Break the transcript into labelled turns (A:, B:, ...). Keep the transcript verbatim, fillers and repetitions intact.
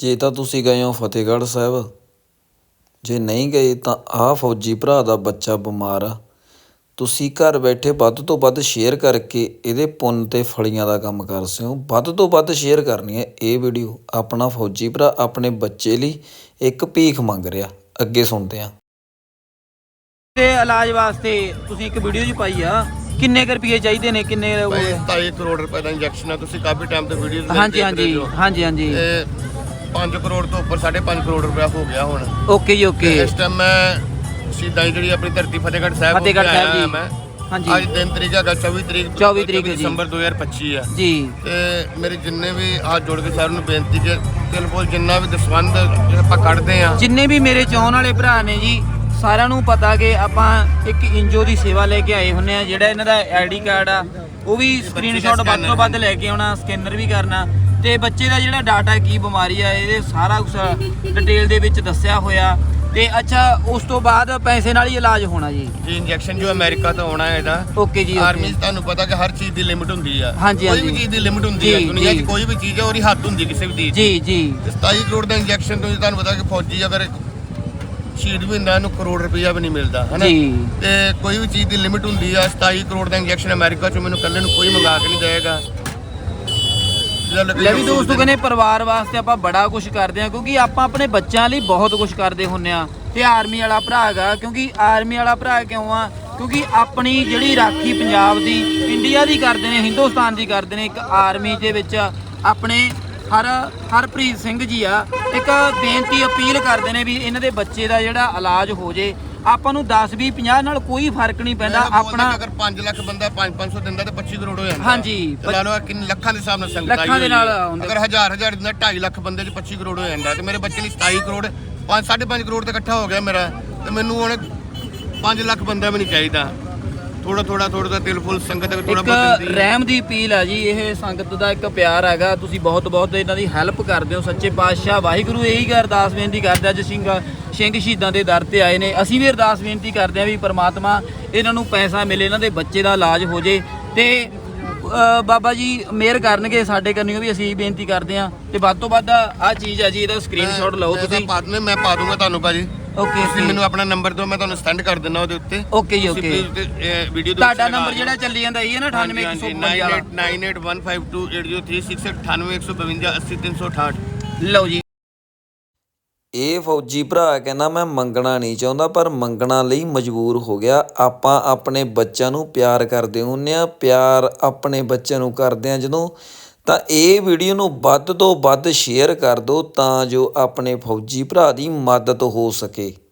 A: ਜੇ ਤਾਂ ਤੁਸੀਂ ਗਏ ਹੋ ਫਤਿਹਗੜ੍ਹ ਸਾਹਿਬ, ਜੇ ਨਹੀਂ ਗਏ ਤਾਂ ਆਹ ਫੌਜੀ ਭਰਾ ਦਾ ਬੱਚਾ ਬਿਮਾਰ ਆ। ਤੁਸੀਂ ਘਰ ਬੈਠੇ ਵੱਧ ਤੋਂ ਵੱਧ ਸ਼ੇਅਰ ਕਰਕੇ ਇਹਦੇ ਪੁੰਨ ਅਤੇ ਫਲੀਆਂ ਦਾ ਕੰਮ ਕਰ ਸਿਓ। ਵੱਧ ਤੋਂ ਵੱਧ ਸ਼ੇਅਰ ਕਰਨੀ ਹੈ ਇਹ ਵੀਡੀਓ। ਆਪਣਾ ਫੌਜੀ ਭਰਾ ਆਪਣੇ ਬੱਚੇ ਲਈ ਇੱਕ ਭੀਖ ਮੰਗ ਰਿਹਾ। ਅੱਗੇ ਸੁਣਦੇ ਹਾਂ।
B: ਤੇ ਇਲਾਜ ਵਾਸਤੇ ਤੁਸੀਂ ਇੱਕ ਵੀਡੀਓ ਜੀ ਪਾਈ ਆ, ਕਿੰਨੇ ਕੁ ਰੁਪਏ ਚਾਹੀਦੇ ਨੇ? ਕਿੰਨੇ?
C: ਢਾਈ ਕਰੋੜ ਰੁਪਏ ਦਾ ਇੰਜੈਕਸ਼ਨ ਹੈ। ਤੁਸੀਂ ਕਾਫੀ ਟਾਈਮ ਤੋਂ ਵੀਡੀਓ
B: ਹਾਂਜੀ ਹਾਂਜੀ ਹਾਂਜੀ ਹਾਂਜੀ
C: ਪੰਜ ਕਰੋੜ ਤੋਂ ਉੱਪਰ ਸਾਢੇ ਪੰਜ ਕਰੋੜ ਰੁਪਇਆ ਹੋ ਗਿਆ ਹੁਣ।
B: ਓਕੇ ਜੀ ਓਕੇ।
C: ਇਸ ਟਾਈਮ ਮੈਂ ਸਿੱਧਾ ਜਿਹੜੀ ਆਪਣੀ ਧਰਤੀ ਫਤਿਹਗੜ੍ਹ ਸਾਹਿਬ
B: ਫਤਿਹਗੜ੍ਹ ਸਾਹਿਬ ਜੀ
C: ਮੈਂ
B: ਹਾਂਜੀ।
C: ਅੱਜ ਦਿਨ ਤਰੀਕ ਹੈਗਾ ਚੌਵੀ ਤਰੀਕ
B: ਚੌਵੀ ਤਰੀਕ ਜੀ
C: ਦਸੰਬਰ ਦੋ ਹਜ਼ਾਰ ਪੱਚੀ ਆ
B: ਜੀ।
C: ਤੇ ਮੇਰੇ ਜਿੰਨੇ ਵੀ ਹੱਥ ਜੋੜ ਕੇ ਸਾਰਿਆਂ ਨੂੰ ਬੇਨਤੀ ਕਿ ਦਿਲ ਕੋਲ ਜਿੰਨਾ ਵੀ ਦਸਵੰਧ ਆਪਾਂ ਕੱਢਦੇ ਆ, ਜਿੰਨੇ
B: ਵੀ ਮੇਰੇ ਚਾਹਣ ਵਾਲੇ ਭਰਾ ਨੇ ਜੀ, ਸਾਰਿਆਂ ਨੂੰ ਪਤਾ ਕਿ ਆਪਾਂ ਇੱਕ ਇੰਜੋ ਦੀ ਸੇਵਾ ਲੈ ਕੇ ਆਏ ਹੁੰਨੇ ਆ। ਜਿਹੜਾ ਇਹਨਾਂ ਦਾ ਆਈਡੀ ਕਾਰਡ ਆ ਉਹ ਵੀ ਸਕਰੀਨਸ਼ਾਟ ਵੱਧ ਤੋਂ ਵੱਧ ਲੈ ਕੇ ਆਉਣਾ, ਸਕੈਨਰ ਵੀ ਕਰਨਾ, ਤੇ ਬੱਚੇ ਦਾ ਜਿਹੜਾ ਡਾਟਾ ਕੀ ਬਿਮਾਰੀ ਆ ਇਹਦੇ ਸਾਰਾ ਕੁਝ ਡਿਟੇਲ ਦੇ ਵਿੱਚ ਦੱਸਿਆ ਹੋਇਆ। ਤੇ ਅੱਛਾ, ਉਸ ਤੋਂ ਬਾਅਦ ਪੈਸੇ ਨਾਲ ਹੀ ਇਲਾਜ ਹੋਣਾ ਜੀ?
C: ਜੀ ਇੰਜੈਕਸ਼ਨ ਜੋ ਅਮਰੀਕਾ ਤੋਂ ਆਉਣਾ ਹੈ ਇਹਦਾ।
B: ਓਕੇ ਜੀ।
C: ਆਰਮੀ 'ਚ ਤੁਹਾਨੂੰ ਪਤਾ ਕਿ ਹਰ ਚੀਜ਼ ਦੀ ਲਿਮਿਟ ਹੁੰਦੀ ਆ।
B: ਹਾਂਜੀ
C: ਕੋਈ ਵੀ ਚੀਜ਼ ਦੀ ਲਿਮਿਟ ਹੁੰਦੀ ਹੈ ਦੁਨੀਆ 'ਚ, ਕੋਈ ਵੀ ਚੀਜ਼ ਹੈ ਉਹਦੀ ਹੱਦ ਹੁੰਦੀ ਕਿਸੇ ਵੀ ਚੀਜ਼
B: ਜੀ ਜੀ।
C: ਸਤਾਈ ਕਰੋੜ ਦਾ ਇੰਜੈਕਸ਼ਨ ਤੋਂ ਤੁਹਾਨੂੰ ਪਤਾ ਕਿ ਫੌਜੀ ਅਗਰ ਸ਼ਹੀਦ ਵੀ ਹੁੰਦਾ ਇਹਨੂੰ ਕਰੋੜ ਰੁਪਈਆ ਵੀ ਨਹੀਂ ਮਿਲਦਾ ਹੈ ਨਾ। ਤੇ ਕੋਈ ਵੀ ਚੀਜ਼ ਦੀ ਲਿਮਿਟ ਹੁੰਦੀ ਆ। ਸਤਾਈ ਕਰੋੜ ਦਾ ਇੰਜੈਕਸ਼ਨ ਅਮਰੀਕਾ 'ਚੋਂ ਮੈਨੂੰ ਇਕੱਲੇ ਨੂੰ ਕੋਈ ਮੰਗਾ ਕੇ ਨਹੀਂ ਦੇਵੇਗਾ।
B: ਲੈ ਵੀ ਦੋਸਤੋ, ਕਹਿੰਦੇ ਪਰਿਵਾਰ ਵਾਸਤੇ ਆਪਾਂ ਬੜਾ ਕੁਝ ਕਰਦੇ ਆ, ਕਿਉਂਕਿ ਆਪਾਂ ਆਪਣੇ ਬੱਚਿਆਂ ਲਈ ਬਹੁਤ ਕੁਝ ਕਰਦੇ ਹੁੰਨੇ ਆ। ਤੇ ਆਰਮੀ ਵਾਲਾ ਭਰਾ ਹੈਗਾ, ਕਿਉਂਕਿ ਆਰਮੀ ਵਾਲਾ ਭਰਾ ਕਿਉਂ ਆ? ਕਿਉਂਕਿ ਆਪਣੀ ਜਿਹੜੀ ਰਾਖੀ ਪੰਜਾਬ ਦੀ, ਇੰਡੀਆ ਦੀ ਕਰਦੇ ਨੇ, ਹਿੰਦੁਸਤਾਨ ਦੀ ਕਰਦੇ ਨੇ। ਇੱਕ ਆਰਮੀ ਦੇ ਵਿੱਚ ਆਪਣੇ ਹਰ ਹਰਪ੍ਰੀਤ ਸਿੰਘ ਜੀ ਆ, ਇੱਕ ਬੇਨਤੀ ਅਪੀਲ ਕਰਦੇ ਨੇ ਵੀ ਇਹਨਾਂ ਦੇ ਬੱਚੇ ਦਾ ਜਿਹੜਾ ਇਲਾਜ ਹੋ ਜੇ। ਆਪਾਂ ਨੂੰ ਦਸ ਵੀਹ ਪੰਜਾਹ ਨਾਲ ਕੋਈ ਫਰਕ ਨਹੀਂ ਪੈਂਦਾ। ਆਪਣਾ
C: ਅਗਰ ਪੰਜ ਲੱਖ ਬੰਦਾ ਪੰਜ ਪੰਜ ਸੌ ਦਿੰਦਾ ਤੇ ਪੱਚੀ ਕਰੋੜ ਹੋ ਜਾਂਦਾ।
B: ਹਾਂਜੀ,
C: ਲਾ ਲਓ ਕਿੰਨੇ ਲੱਖਾਂ ਦੇ ਹਿਸਾਬ ਨਾਲ ਸੰਗਤ
B: ਲੱਖਾਂ ਦੇ ਨਾਲ।
C: ਅਗਰ ਹਜ਼ਾਰ ਹਜ਼ਾਰ ਦਿੰਦਾ ਢਾਈ ਲੱਖ ਬੰਦੇ 'ਚ ਪੱਚੀ ਕਰੋੜ ਹੋ ਜਾਂਦਾ। ਤੇ ਮੇਰੇ ਬੱਚੇ ਲਈ ਸਤਾਈ ਕਰੋੜ ਪੰਜ ਸਾਢੇ ਪੰਜ ਕਰੋੜ ਤੇ ਇਕੱਠਾ ਹੋ ਗਿਆ ਮੇਰਾ। ਤੇ ਮੈਨੂੰ ਹੁਣ ਪੰਜ ਲੱਖ ਬੰਦਾ ਵੀ ਨਹੀਂ ਚਾਹੀਦਾ। ਥੋੜਾ ਥੋੜਾ ਥੋੜਾ ਦਾ ਦਿਲ ਫੁੱਲ ਸੰਗਤ ਥੋੜਾ ਬਹੁਤ
B: ਰਹਿਮ ਦੀ ਅਪੀਲ ਆ ਜੀ। ਇਹ ਸੰਗਤ ਦਾ ਇੱਕ ਪਿਆਰ ਹੈਗਾ। ਤੁਸੀਂ ਬਹੁਤ ਬਹੁਤ ਇਹਨਾਂ ਦੀ ਹੈਲਪ ਕਰਦੇ ਹੋ। ਸੱਚੇ ਪਾਤਸ਼ਾਹ ਵਾਹਿਗੁਰੂ ਇਹੀ ਅਰਦਾਸ ਬੇਨਤੀ ਕਰਦੇ ਅੱਜ ਸਿੰਘ ਸਿੰਘ ਸ਼ਹੀਦਾਂ ਦੇ ਦਰ ਤੇ ਆਏ ਨੇ। ਅਸੀਂ ਵੀ ਅਰਦਾਸ ਬੇਨਤੀ ਕਰਦੇ ਹਾਂ ਵੀ ਪਰਮਾਤਮਾ ਇਹਨਾਂ ਨੂੰ ਪੈਸਾ ਮਿਲੇ, ਇਹਨਾਂ ਦੇ ਬੱਚੇ ਦਾ ਇਲਾਜ ਹੋ ਜੇ, ਤੇ ਬਾਬਾ ਜੀ ਮਿਹਰ ਕਰਨਗੇ ਸਾਡੇ ਕਰਨੀ ਵੀ। ਅਸੀਂ ਬੇਨਤੀ ਕਰਦੇ ਹਾਂ। ਤੇ ਵੱਧ ਤੋਂ ਵੱਧ ਆਹ ਚੀਜ਼ ਆ ਜੀ, ਇਹਦਾ ਸਕਰੀਨਸ਼ਾਟ ਲਓ ਤੁਸੀਂ।
C: ਮੈਂ ਪਾ ਦੂੰਗਾ ਤੁਹਾਨੂੰ ਭਾਜੀ।
B: ਓਕੇ,
C: ਤੁਸੀਂ ਮੈਨੂੰ ਆਪਣਾ ਨੰਬਰ ਦਿਓ, ਮੈਂ ਤੁਹਾਨੂੰ ਸੈਂਡ ਕਰ ਦਿੰਦਾ ਉਹਦੇ ਉੱਤੇ।
B: ਓਕੇ ਜੀ ਓਕੇ।
C: ਵੀਡੀਓ
B: ਤੁਹਾਡਾ ਨੰਬਰ ਜਿਹੜਾ ਚੱਲੀ ਜਾਂਦਾ ਇਹ ਹੈ ਨਾ ਅਠਾਨਵੇਂ ਇੱਕ ਸੌ ਬਵੰਜਾ ਵਾਲਾ।
C: Nine eight one five two eight zero three six ਅਠਾਨਵੇਂ ਇੱਕ ਸੌ ਬਵੰਜਾ ਅੱਸੀ ਤਿੰਨ ਸੌ ਅਠਾਹਠ।
B: ਲਓ ਜੀ।
A: ਇਹ ਫੌਜੀ ਭਰਾ ਕਹਿੰਦਾ ਮੈਂ ਮੰਗਣਾ ਨਹੀਂ ਚਾਹੁੰਦਾ, ਪਰ ਮੰਗਣਾ ਲਈ ਮਜਬੂਰ ਹੋ ਗਿਆ। ਆਪਾਂ ਆਪਣੇ ਬੱਚਿਆਂ ਨੂੰ ਪਿਆਰ ਕਰਦੇ ਹੁੰਦੇ ਹਾਂ। ਪਿਆਰ ਆਪਣੇ ਬੱਚਿਆਂ ਨੂੰ ਕਰਦੇ ਹਾਂ ਜਦੋਂ, ਤਾਂ ਇਹ ਵੀਡੀਓ ਨੂੰ ਵੱਧ ਤੋਂ ਵੱਧ ਸ਼ੇਅਰ ਕਰ ਦਿਓ ਤਾਂ ਜੋ ਆਪਣੇ ਫੌਜੀ ਭਰਾ ਦੀ ਮਦਦ ਹੋ ਸਕੇ।